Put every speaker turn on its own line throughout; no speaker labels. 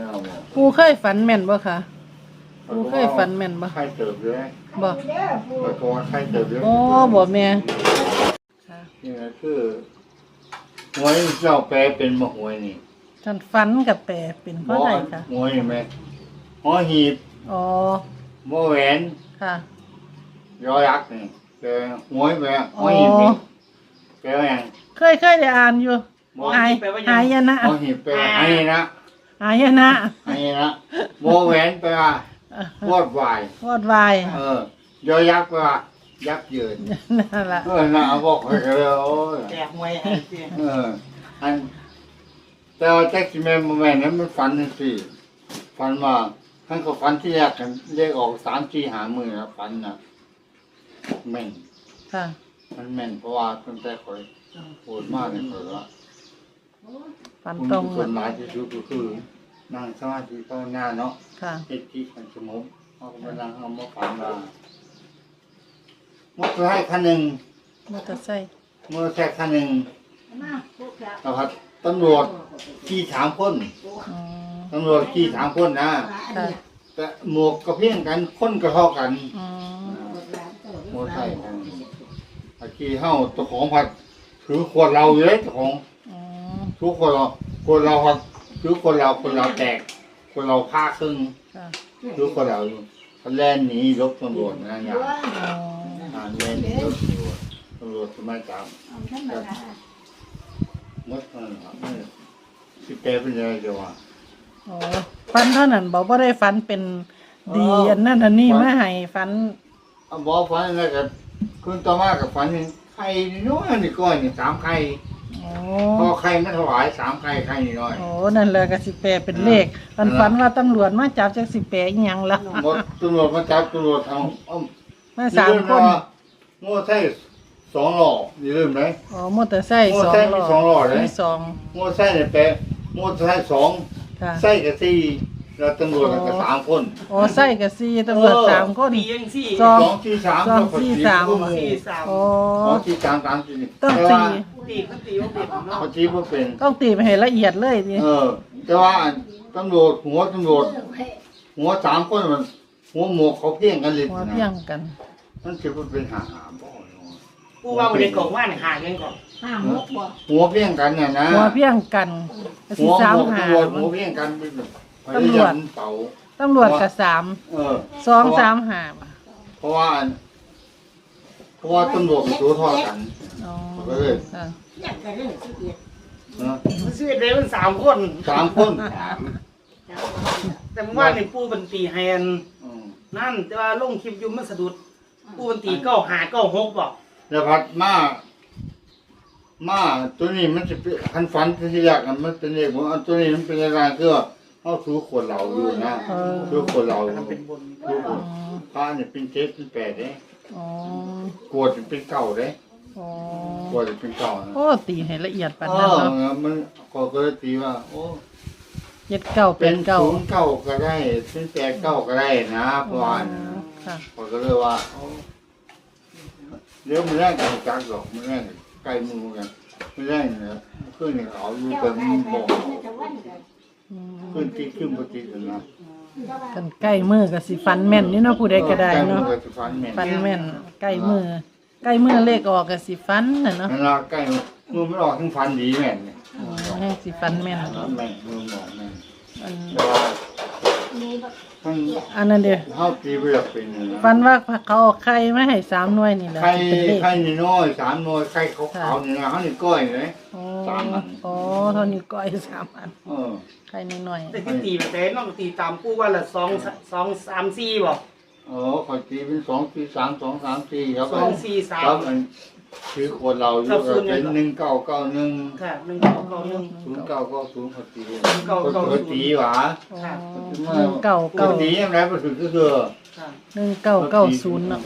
ปูเคยฝันแม่นบ่คะปูเคยฝันแม่นบ่
ไข่เติบเลย
บ่
แล้วก็ไข่เติบเลย
อ๋อบ่แม่ค่ะ
นี่คือหวยเจ้าแปลเป็นมะหวยนี่
ท่านฝันกับแปลเป็นเพราะใดคะ
หวยไหมหอหีบ
อ๋อ
มะแหวน
ค่ะ
ยอยักษ์นี่เป็นหวยแม่หอหีบนี่แปลว่าอย่าง
เคยได้อ่านอยู่หายนะ
หอหีบแปลว่าหายนะ
หายนะ
หายนะมะแหวนแปลว่าวอดวายว
อดวาย
ยอยักษ์แปลว่ายักษ์ยืน
นั่นล่ะ
น่าบอกให้กันเลยโอ้ย
แจกหวยให้สิ
อันแต่ว่าแจ็คสิแม่นนั้นมันฝันจังซี่ฝันว่าท่านก็ฝันที่แรกกันเลขออก3-4 หามื้อนะฝันน่ะแม่น
ค่ะ
มันแม่นเพราะว่าตั้งแต่ข่อยโหดมากเลยข่อยว่า
ฝันตรง
ส่วนหลายที่สุดก็คือนั่งสมาธิภาวนาเนาะ
ค่ะ
เฮ็ดที่มันสงบเอาก็มานั่งเอามาฝันว่ามอเตอร์ไซค์คันนึง
มอเตอร์ไซค์
คันนึงนะครับตำรวจขี่3 คนตำรวจขี่3 คนนะแต่หมวกก็เพี้ยงกันคนก็เท่ากันมอเตอร์ไซค์ขี่เฮาเจ้าของผัดถือขวดเราอยู่เลยเจ้าของทุกคนเราผัดถือคนเราแตกคนเราฆ่าครึ่งถือคนเราอยู่เขาแล่นหนีรถตำรวจนะอย่างแล่นหนีรถตำรวจทำไมจับมดมันสิแกเป็นยังไงเดี๋ยวว่า
อ๋อฝันเท่านั้นบอกว่าได้ฝันเป็นดีอันนั้นอันนี้มาให้ฝัน
บอกฝันอะไรกับคุณต่อมากับฝันไข่น้อยนี่ก้อนนี่3 ไข่พอไข่ไม่ถวาย3 ไข่ไข่น้อย
โอ้นั่นแหละก็สิแปลเป็นเลขฝันว่าตำรวจมาจับจักสิแปลอีหยังล่ะ
ตำรวจมาจับตำรวจเอา
มา3 คน
โม่ใช่2 หล่ออย่าลืมไหม
อ๋อมอเตอร์ไซค์2
หล่อเลย
มี2
มอเตอร์ไซค์เนี่ยแปลมอเตอร์ไซค์2
ค่ะ
ไซค์กับ4แล้วตำรวจก็3 คน
อ๋อไซค์กับ4ตำรวจ3 คน
4ยัง4
2 4 3
4 3อ๋อ
2 4 3 3 4
ต้อง
ตีเขาตีว่าเป็นเนาะ
เขาตีว่าเป็น
ต้องตีไปให้ละเอียดเลยดิ
แต่ว่าตำรวจหัว3 คนมันหัวหมวกเขาเพี้ยงกันเลย
หัวเพี้ยงกัน
มันจะเป็นหาบ่
กูว่าบ่ได้กล่องว่าหาเงินก่อน
5 6บ่
หัวเพี้ยงกันน่ะนะ
หัวเพี้ยงกัน
หัวหัวเพี้ยงกัน
ตำรวจกับ2 3 5
เพราะว่าตำรวจมันตัวทอดกันก็เลย
อยากจะเรื่อง
11ได้มัน3 คนแต่เมื่อวานนี่ปู่บันตีแฮนนั่นแต่ว่าลงคลิปอยู่มันสะดุดปู่บันตี9596บ่
แล้วพัดมาตัวนี้มันจะเป็นคันฝันที่ยากมันเป็นเลขของตัวนี้มันเป็นอะไรคือเขาถือขวดเหล้าอยู่นะถือขวดเหล้า
เป็นบน
พระเนี่ยเป็น7เป็น8เด้ขวดเป็น9เด้ขวดเป็น9นะ
โอ้ตีให้ละเอียดปานนั้นเนาะ
มันก็เลยตีว่าโอ้
79เป็น9
09ก็ได้เป็น89ก็ได้นะเพราะว่าก็เลยว่าเดี๋ยวมันแรกกันจักดอกมันแรกใกล้มือกันมันแรกเนี่ยขึ้นเนี่ยเอาอยู่แต่มันบอกขึ้นปกตินะ
กันใกล้มือก็สิฟันแม่นนี่เนาะผู้ใดก็ได้เนาะฟันแม่นใกล้มือเลขออกก็สิฟันน่ะเนาะ
นั่นล่ะใกล้มือมันออกทั้งฟันดีแม่นเนี่ย
ให้สิฟันแม่น
แม่นมือบอกแม่น
อันนั้นเด้อ
เฮาตีบ่อยากเป็น
ฟันว่าเขาเอาไข่มาให้3 หน่วยนี่แหละ
ไข่น้อย3 หน่วยไข่ขาวๆนี่นะเฮานี่ก้อยเลย3 อัน
อ๋อเท่านี้ก้อย3 อันไข่น้อย
ๆแต่ที่ตีแบบน้องตีตามปู่ว่าละ2 3 4บ่
เขาตีเป็น2 4 3 2 3 4ครับ
2 4 3
ครับมันคือคนเราอยู่ก็เป็น1991
ค่ะ1991
0990เขาตีหว่าตียังไงบ่ถึงก็คือ
1990เนาะ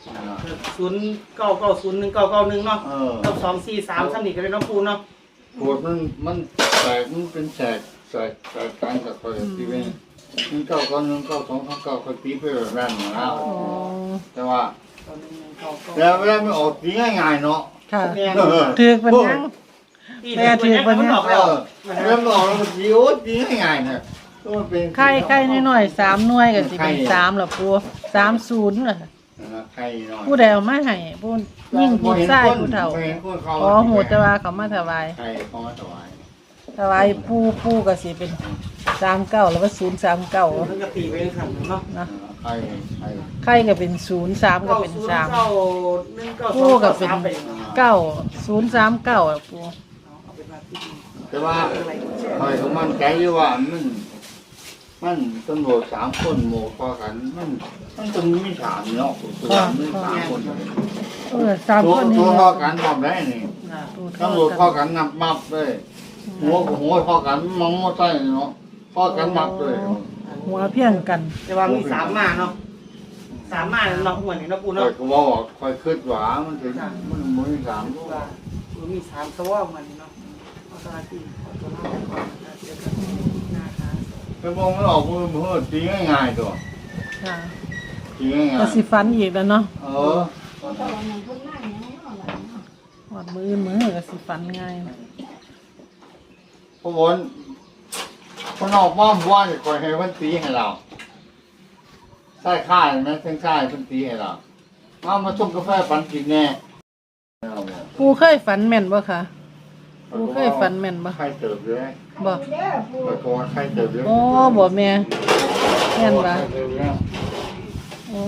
0990 1991เนาะกับ243ซั่นนี่ก็ได้เนาะปู่เนาะ
โคตรมันแตกมันเป็นแตกการกับคนที่เป็น1991 9239เขาตีไปแบบนั้นนะแต่ว่าแล้วเวลาไม่ออกตีง่ายๆเนาะ
ค่ะถือเป็นยัง
แม่ถือเป็นยัง
แล้วมันออกแล้วมันตีโอ้ตีง่ายๆเนี่ยก็มันเป็น
ไข่น้อยๆ3หน่วยก็สิเป็น3ล่ะปู30น่ะ
ไข่น้อย
ผู้ใดเอามาให้ผู้ยิ่งผู้ชายผู้เฒ่า
บ่เห็นคนเขา
อ๋อหูแต่ว่าเขามาถวาย
ไข่เขามาถวาย
ถวายปู่ก็สิเป็น39แล้วก็039
มันก็ตีไปสั่นเนาะ
นะ
ไข่
ไข่ก็เป็น03ก็เป็น3
9
ปู่ก็เป็น9039อ่ะปู่
แต่ว่าคอยเขามั่นใจอยู่ว่ามันตำรวจ3คนโมพอกันมันต้องมี3เนาะตัวมัน3คน
3คนนี้
ตัวพอกันทำได้นี่ตำรวจพอกันนับมับเลยหัวพอกันมองมอใต้เนาะพอกันมับเลย
หัวเพียงกัน
แต่ว่ามี3มาเนาะ3มาเนาะหัวนี่เนาะปู
คอ
เนาะ
ยก็บอกคอยคิดว่ามันถึงมันมี3
มี3ตัวมันเนาะเอาตาที่เอาตัวล่างก่อนเดี๋ยวกันนะคะ
ไปมองไม่ออกมือตีง่ายๆตัว
ค่ะ
ตีง่าย
ก็สิฟันอีกแล้วเนาะ
เออ
คนตะวันนั้นคนนั่งอย่างนี้เนาะ
หอดมือก็สิฟันง่าย
พวกคนคนออกบ้านว่าจะคอยให้มันตีให้เราใช่ค่ายไหมเส้นค่ายมันตีให้เรามาชมกาแฟปันกินแน่
ปูเคยฝันแม่นบ่คะปูเคยฝันแม่นบ่
ใครเติบเลย
บ่
เด้อปู่
ไปกว่าใครเติบเลย
โอ้บ่แม่แม่นบ่โอ้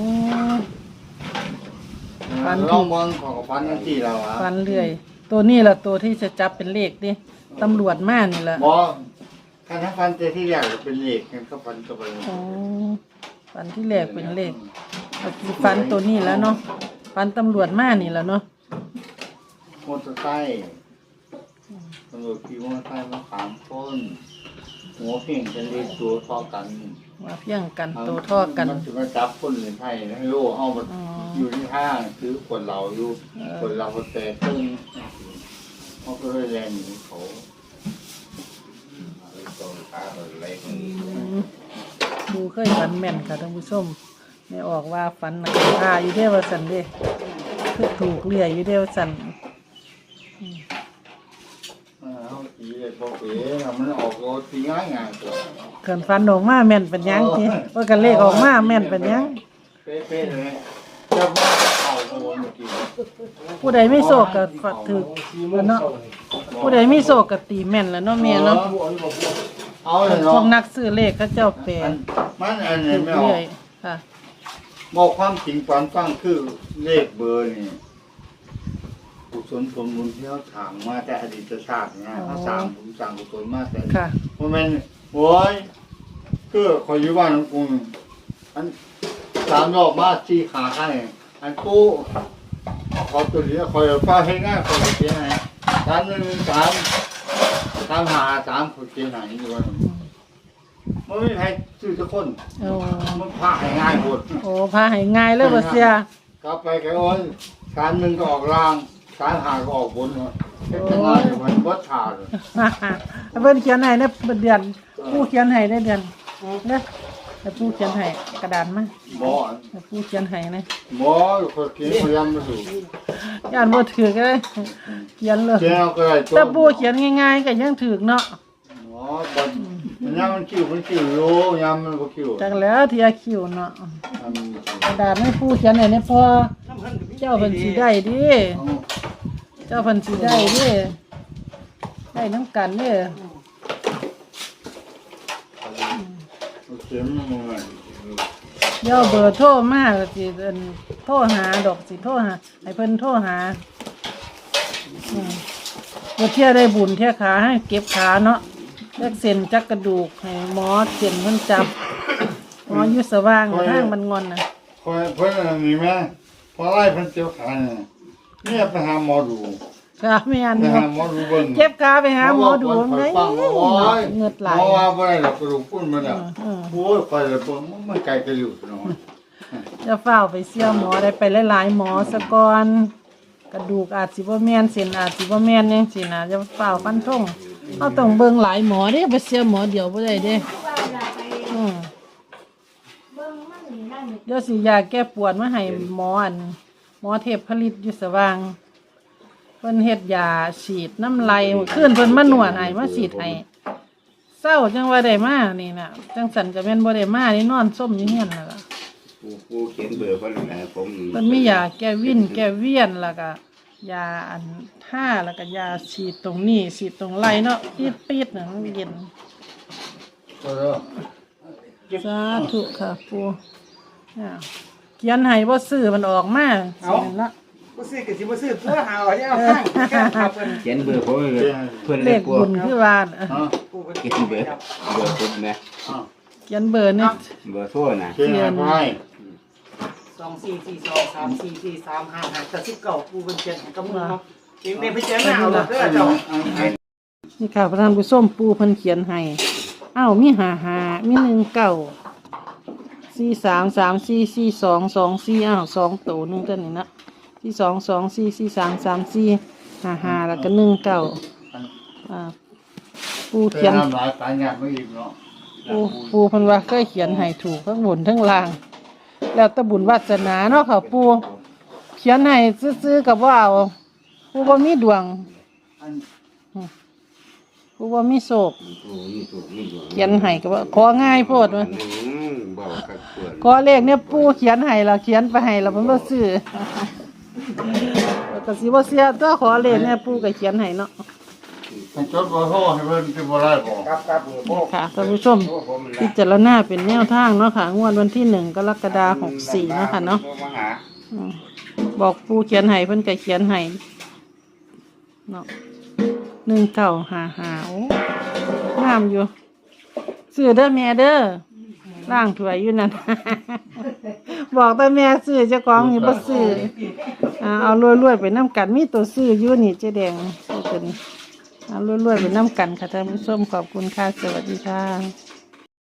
ลองมองของพันนั่นที่เราอ่ะ
ฝันเรื่อย ตัวนี้ล่ะตัวที่จะจับเป็นเลขดิตำรวจมานี่ล่ะ
บอถ้าพันเจที่แรกเป็นเหล็กกันก็พันก็ไป
โอ้ฝันที่แรกเป็นเลขก็สิฝันตัวนี้แล้วเนาะฝันตำรวจมานี่ล่ะเนาะ
มอเตอร์ไซค์ตำรวจขี่มอเตอร์ไซค์มา3คนหัวเพียงกันเลยตัวเท่ากัน
ว่าเพียงกันตัวท่อกัน
มันจะมาจับคนเหรียญไทยให้โลเอามา
อ๋อ
อยู่ที่ห้างซื้อคนเราอยู่คนเราคนแต่ตึ้งเขาก็เลยแรงหนีเขา
ดูเคยฝันแม่นค่ะท่านผู้ชมไม่ออกว่าฝันหนักท่าอยู่เด้อว่าสันเด้คือถูกเลี่ยอยู่เด้อว่าสัน
เขาตีเลยพอเป๋มันออกโรตีง่ายๆตัว
เขินฝันออกมาแม่นเป็นหยังทีว่ากันเลขออกมาแม่นเป็นหยัง
เป๊ะๆเลยจะมาเอาโอนเมื่อกี้
ผู้ใดไม่โศกก็ฝัดถือแล้วเนาะผู้ใดไม่โศกก็ตีแม่นแล้วเนาะเมียเนาะ
เอาเลย
พว
เนาะ
กนักซื้อเลขเขาเจ้าแปล
มันอัน
ถู
นี้
ก
ไม่ออ
เรื่
ก
อยค่ะ
บอกความจริงความฟังคือเลขเบอร์นี่กุศลผลบุญที่เขาถางมาแต่อดีตชาติเนี่ยเขาสั่งผมสั่งกุศลมาแต่
ค่ะ
เพราะมันโอ้ยคือคอยอยู่บ้านของกูอัน3 รอบมาชี้ขาข้างนี่อันกูขอตัวนี้คอยฟ้าให้ง่ายคอยเขียนให้3 คอยเขียนให้อยู่ว่ามันไม่มีใครซื้อสักคน
โอ้
มันพาให้ง่ายหมด
โอ้พาให้ง่ายเลยบ่เสีย
กลับไปแกโอ้ย1ก็ออกล่าง5ก็ออกบนเนาะเฮ็ดจังไงมันบ่ขาดเลย
เพิ่นเขียนให้ในเดือนผู้เขียนให้ในเดือนเด้อแต่ผู้เขียนให้กระดานมา
บ่
แต่ผู้เขียนให้นะ
บ่คนเขียนพยายามมาสู่
ย่านบ่ถือก็ได้เขียนเลย
เขียนเอาก็ได้
แต่ผู้เขียนง่ายๆก็ยังถือเนาะ
อ๋อบ่มันยามมันคิวอยู่ยามมันบ่คิว
จักแล้วที่อาคิวเนาะ
อันนี้
กระดาษให้ผู้เขียนให้เนี่ยพอ
น้ำเพิ่นก็มี
เจ้าเพิ่นสิได้ดิ
เอา
เจ้าเพิ่นสิได้ดิได้นํกันเด้อ
เอาเขียนมาหน่อย
เดี๋ยวเบอร์โทรมาก็สิเอิ้นโทรหาดอกสิโทรหาให้เพิ่นโทรหาบ่เที่ยได้บุญเที่ยขาให้เก็บขาเนาะจักเส้นจักกระดูกให้หมอเส้นเพิ่นจับหมออยู่สว่างทางมันงอนน่ะ
คอยเพิ่นอันนี้แม่พอไล่เพิ่นเจ็บขาเนี่ยไปหาหมอดู
ค่ะแม่น
ไป
อยู่
หาหมอดูเบิ่ง
เจ็บขาไปหาหมอดูไงเงือดไหล
เพราะว่าบ่ได้ดอกกระดูกพุ่นมาแล้ว
อืม
โอ้ยคอยเลยเบิ่งมันไกลกระดูกเนาะ
จะเฝ้าไปเสี่ยหมอได้ไปหลายๆหมอซะก่อนกระดูกอาจสิบ่แม่นเส้นอาจสิบ่แม่นจังซี่นะจะเฝ้าฟันธงเฮาต้องเบิ่งหลายหมอเด้ไปเสี่ยหมอเดียวบ่ได้เด้
ว่าอย่าไป
อืม
เบิ่งมันนี่นั่นนี่
เดี๋ยวสิยาแก้ปวดมาให้หมออันหมอเทพผลิตอยู่สว่างเพิ่นเฮ็ดยาฉีดน้ำลายเมื่อคืนเพิ่นมานวดให้มาฉีดให้เศร้าจังว่าได้มานี่น่ะจังสันก็แม่นบ่ได้มานี่นอนส้มอยู่เฮียนน่ะล่ะ
ผู้เขียนเบอร์เพิ่นนะผม
มันมียาแก้วินแก้เวียนแล้วก็ยาอันท่าแล้วก็ยาฉีดตรงนี้ฉีดตรงไหล่เนาะปีดๆน่ะมันเย็น
ตัวเด้อ
สาธุค่ะปูอ่าเขียนให้บ่ซื้อมันออกมาสิเนาะ
บ่ซื้อก็สิบ่ซื้อตัวหาเอาเนี่ยเอาให้แค่ครับเพิ่น
เขียนเบอร์ผมเพิ่น
เล
เลย
ข
กลัว
บุญคือว่าน่ะ
ฮะ
ปูเพิ่น
เขียนเบอร์ผมนะ
อ่ะ
เขียนเบอร์นี่
เบอร์โทรนะ
เขียนให้
2442344355แต่19ปูเพิ่นเขียนให้กับมือเนาะเองได้ไปเจอหน้าเอาเด้อเจ้า
นี่ค่ะพระท่านผู้ชมปูเพิ่นเขียนให้อ้าวมี55มี19 43344224อ้าว2ตัวหนึงตัวนี้นะ4224433455แล้วก็19อ่าปู
เขี
เขี
ย
ย
น
น
หลายสายงานไม่อิ่มเนาะ
ปูเพันว่าเคยเขียนให้ถูกทั้งบนทั้งล่าง แล้วแตะบุญวาสนาเนาะค่ะปูเขียนให้ซื้อๆกับว่าเอาปูบ่มีดวง
อัน
ปูบ่มีโศก
ถูกนี่
เขียนให้ก็ว่าของ่ายโพดว่า
บอกกับเพื่อน
ขอเลขเนี่ยปูเขียนให้แล้วเขียนไปให้แล้วมันบ่ซื้อแล้วก็สิบ่เสียตัวขอเลขเนี่ยปูก็เขียนให้เนาะ
ให้จดบ่โทรให้เพิ่นสิบ่ได้บ่
ครับโอ้
ค่ะท่านผู้ชมพิจารณาเป็นแนวทางเนาะค่ะงวดวันที่1 กรกฎาคม 64เนาะค่ะเนาะ
มาหา
บอกปูเขียนให้เพิ่นก็เขียนให้เนาะ1955โอ้งามอยู่ซื้อเด้อแม่เด้อล่างถ้วยอยู่นั่น บอกแต่แม่ซื้อเจ้าของนี่บ่ซื้อเอารวยๆไปนำกันมีตัวซื้ออยู่นี่เจ๊แดงซื้อตัวนี้เอารวยๆไปนำกันค่ะท่านผู้ชมขอบคุณค่ะสวัสดีค่ะ